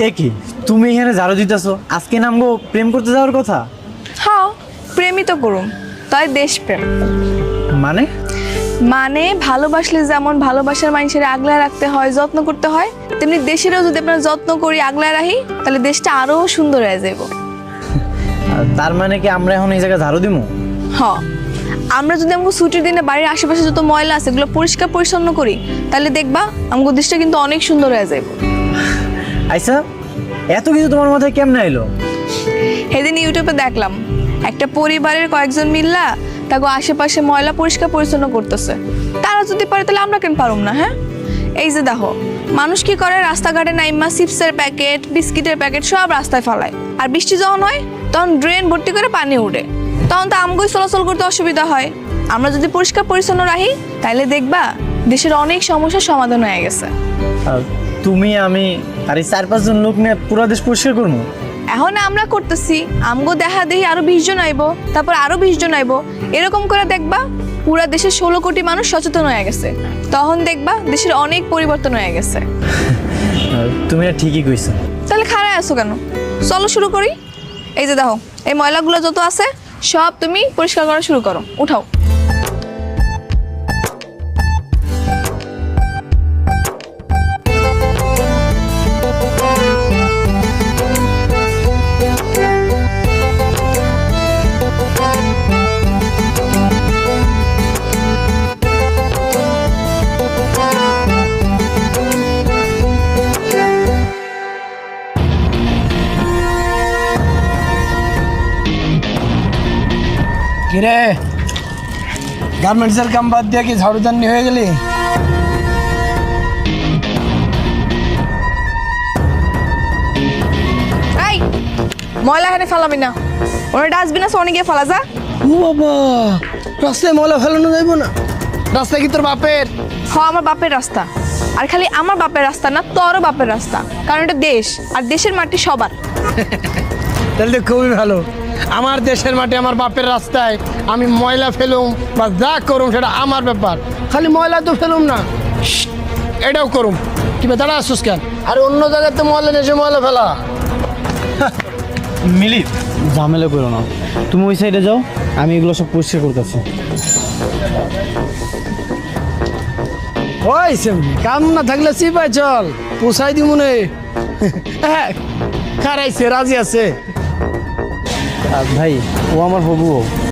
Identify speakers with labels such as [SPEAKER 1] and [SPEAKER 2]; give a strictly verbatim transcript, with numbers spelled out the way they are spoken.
[SPEAKER 1] কি তুমি এখানে ঝাড়ু দিতেছো? আজকে নামগো প্রেম করতে যাওয়ার কথা।
[SPEAKER 2] হ্যাঁ, প্রেমই তো করুম, তাই দেশপ্রেম।
[SPEAKER 1] মানে?
[SPEAKER 2] মানে ভালোবাসলে যেমন ভালোবাসার মানুষের আগলায় রাখতে হয়, যত্ন করতে হয়, তেমনি দেশেরও যদি আপনার যত্ন করি, আগলায় রাখি, তাহলে দেশটা আরো সুন্দর হয়ে যাব।
[SPEAKER 1] আর তার মানে কি আমরা এখন এই জায়গায় ঝাড়ু দিমু?
[SPEAKER 2] হ্যাঁ, আমরা যদি আমাকে ছুটির দিনে বাড়ির আশেপাশে যত ময়লা আছে এগুলো পরিষ্কার পরিচ্ছন্ন করি, তাহলে দেখবা আমাকে দেশটা কিন্তু অনেক সুন্দর হয়ে যাব।
[SPEAKER 1] আচ্ছা, এত কিছু তোমার মাথায় কেমনে এলো?
[SPEAKER 2] সেদিন ইউটিউবে দেখলাম একটা পরিবারের কয়েকজন মিল্লা তাকে আশেপাশে ময়লা পরিষ্কার পরিচ্ছন্ন করতেছে। তারা যদি পারে তাহলে আমরা কেন পারুম না? হ্যাঁ, এই যে দেখো, মানুষ কি করে, রাস্তাঘাটে নাইমা চিপসের প্যাকেট, বিস্কিটের প্যাকেট সব রাস্তায় ফেলায়, আর বৃষ্টি যখন হয় তখন ড্রেন ভর্তি করে পানি উঠে, তখন তো আমগোই চলাচল করতে অসুবিধা হয়। আমরা যদি পরিষ্কার পরিচ্ছন্ন রাখি তাহলে দেখবা দেশের অনেক সমস্যার সমাধান হয়ে গেছে।
[SPEAKER 1] আর তুমি, আমি আর এই চার পাঁচজন লোক নিয়ে পুরো দেশ পরিষ্কার করবো।
[SPEAKER 2] এখন আমরা করতেছি, আমগো দেখা দেখি আরো বিশ জন আইবো, তারপর আরো বিশ জন আইবো, এরকম করে দেখবা পুরা দেশের ষোলো কোটি মানুষ সচেতন হয়ে গেছে। তখন দেখবা দেশের অনেক পরিবর্তন হয়ে গেছে।
[SPEAKER 1] তুমি আর ঠিকই কইছো।
[SPEAKER 2] তাহলে খারাপ আছো কেন? চলো শুরু করি। এই যে দেখো, এই ময়লাগুলো যত আছে সব তুমি পরিষ্কার করা শুরু করো, উঠাও।
[SPEAKER 3] কিরে, গার্মেন্টসের কাম বাদ দিয়ে কি ঝাড়ুদানি হয়ে গেলি?
[SPEAKER 2] এই ময়লা এখানে ফেলাবি না, ওরা ডাস্টবিন আছে, অনেকে ফেলা যা।
[SPEAKER 3] ও বাবা, রাস্তায় ময়লা ফেলানো যাইব না? রাস্তা কি তোর বাপের?
[SPEAKER 2] হ, আমার বাপের রাস্তা। আর খালি আমার বাপের রাস্তা না, তোরও বাপের রাস্তা, কারণ এটা দেশ, আর দেশের মাটি সবার।
[SPEAKER 3] তাহলে তো খুবই ভালো। আমার দেশের মাটি, আমার বাপের রাস্তায় আমি ময়লা ফেলুম বা যা করুম সেটা আমার ব্যাপার। খালি ময়লা তো ফেলুম না, এটাও করুম। কি বেতারা আসুস কেন? আর অন্য জায়গাতে ময়লা দেশে ময়লা ফেলা।
[SPEAKER 1] মিলি, ঝামেলা করো না, তুমি ওই সাইডে যাও, আমি এগুলো সব পরিষ্কার করতেছি।
[SPEAKER 3] ওই সেমনি কাম না থাকলে চিপাই চল, পোষাই দি মনে। হ্যাঁ, খারাইছে, রাজি আছে।
[SPEAKER 1] আর ভাই, ও আমার হবু।